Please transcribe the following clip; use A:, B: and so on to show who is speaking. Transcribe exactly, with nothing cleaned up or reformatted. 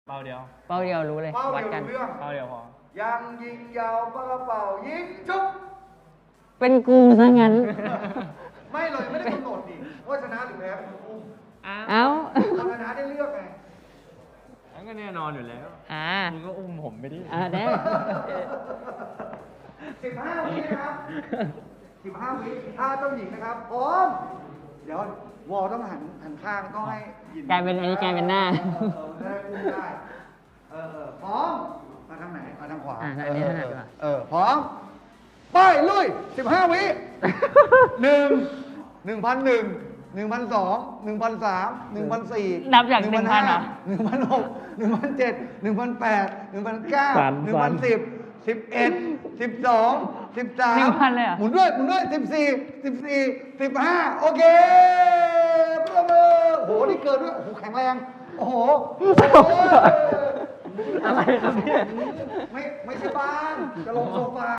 A: เป้าเดียว
B: เป้าเดียวรู้เลย
C: เป้า
B: วัด
C: เดียว
B: กัน
C: รู้เรื่อง
A: เป้าเดียวพอ
C: ยังยิงยาวปากกระเป๋ายิงจุ๊บ
B: เป็นกูซะงั้น
C: ไม่เลยไม่ได้กำหนดดิว่าชนะหรือแพ้เป็นคนอุ้ม
B: เอ้า
C: คนชนะได้เลือกไง
A: นั่นก็แน่นอนอยู่แล้ว
B: อ่า
A: มึงก็อุ้มผมไปดิ
B: อ่าได้
C: สิบห้าวินะครับสิบห้าวิถ้าเจ้าหญิงนะครับพร้อมเดี๋ยววอลต้องหันหันข้างก็ให้หญิง
B: กลายเป็นอันนี้กลายเป็นหน้า
C: เออเออได้อุ้มได้เออเออพร้อมมาทางไหนมาทางขวา
B: อ่ะอันนี้ถนัดกว่า
C: เออพร้อมไปลุยสิบห้าวิหนึ่งหนึ่งพันหนึ่งหนึ่งพันสองหนึ่งพันสามหนึ่งพันสี่
B: นับจากหนึ่งพันเหรอ
C: หนึ่งพันหกหนึ่งพันเจ็ดหนึ่งพันแปดหนึ่งพันเก้า
A: ฝัน
C: หนึ่ง
A: ฝั
C: พั
A: น
C: นสิบสิบเอ็ดสิบสองสิบสาม
B: หนึ่งพันเลยเหรอ
C: หมุนด้วยหมุนด้วยสิบสี่สิบสี่สิบห้าโอเคปรบมือโอ้โหนี่เกินด้วยโอ้โหแข็งแรงโอ้โห
B: อะไรครับเนี่ย
C: ไม่ไม่ใช่บ้านจะลงโซฟา